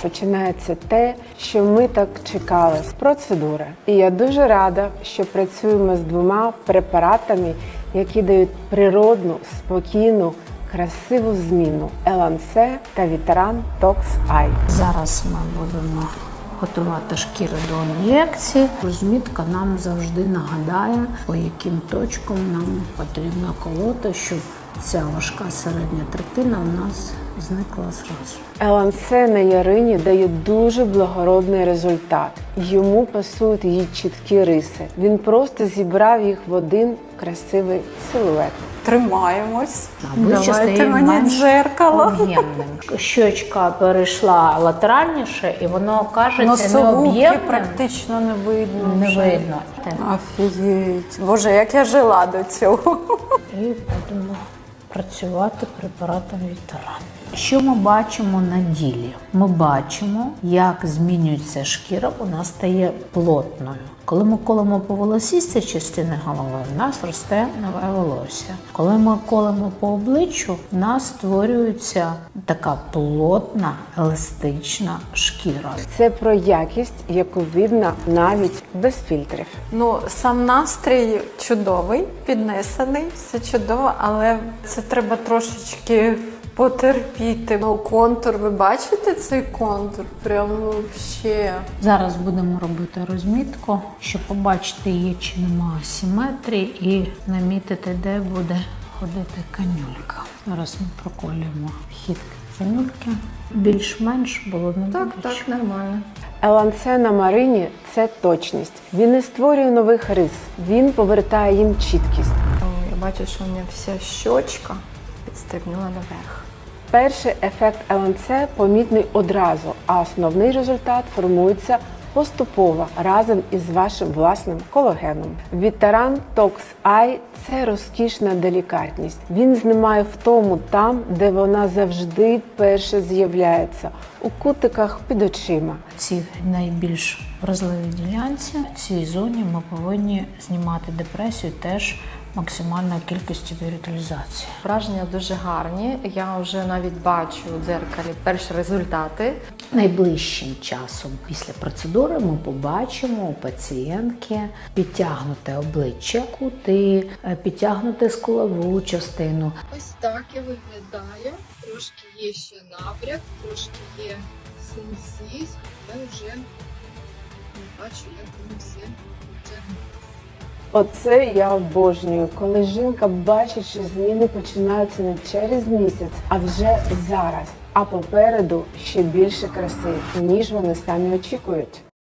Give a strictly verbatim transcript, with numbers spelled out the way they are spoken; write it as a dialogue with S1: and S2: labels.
S1: починається те, що ми так чекали з процедури. І я дуже рада, що працюємо з двома препаратами, які дають природну, спокійну, красиву зміну Елансе та Вітеран Токс Ай.
S2: Зараз ми будемо готувати шкіру до ін'єкції. Розмітка нам завжди нагадає, по яким точкам нам потрібно колоти, щоб ця важка середня третина у нас зникла зразу.
S1: Елансе на Ярині дає дуже благородний результат. Йому пасують її чіткі риси. Він просто зібрав їх в один красивий силует.
S3: Тримаємось.
S2: Обличчя
S3: Давайте
S2: стає
S3: мені
S2: менш
S3: дзеркало.
S2: об'ємним. Щочка перейшла латеральніше, і воно кажеться
S3: Носогубки
S2: необ'ємним.
S3: практично не видно.
S2: Не
S3: вже.
S2: видно.
S3: Офігеть. Боже, як я жила до цього.
S2: І будемо працювати препаратом Вітеран. Що ми бачимо на ділі? Ми бачимо, як змінюється шкіра, вона стає плотною. Коли ми колемо по волосістій частині голови, в нас росте нове волосся. Коли ми колемо по обличчю, в нас створюється така плотна, еластична шкіра.
S1: Це про якість, яку видно навіть без фільтрів.
S3: Ну, сам настрій чудовий, піднесений, все чудово, але це треба трошечки потерпіти. Ну, контур, ви бачите цей контур? Прямо ще.
S2: Зараз будемо робити розмітку, щоб побачити, є чи нема асиметрії, і намітити, де буде ходити канюлька. Зараз ми проколюємо вхід канюльки. Більш-менш було не
S3: Так,
S2: боляче.
S3: так, нормально.
S1: Елансе на Марині – це точність. Він не створює нових рис, він повертає їм чіткість.
S3: Я бачу, що у мене вся щочка підстрибнула наверх.
S1: Перший ефект Елансе помітний одразу, а основний результат формується поступово разом із вашим власним колагеном. Вітеран Токс Ай – це розкішна делікатність. Він знімає втому там, де вона завжди перше з'являється – у кутиках під очима.
S2: Ці найбільш вразливі ділянці, в цій зоні ми повинні знімати депресію теж максимальною кількістю біоріталізації.
S3: Враження дуже гарні. Я вже навіть бачу у дзеркалі перші результати.
S2: Найближчим часом після процедури ми побачимо у пацієнтки підтягнуте обличчя, кути, підтягнути скулову частину.
S4: Ось так і виглядає. Трошки є ще набряк, трошки є синці, але вже не бачу, як воно все витягнеться.
S1: Оце я обожнюю, коли жінка бачить, що зміни починаються не через місяць, а вже зараз. А попереду ще більше краси, ніж вони самі очікують.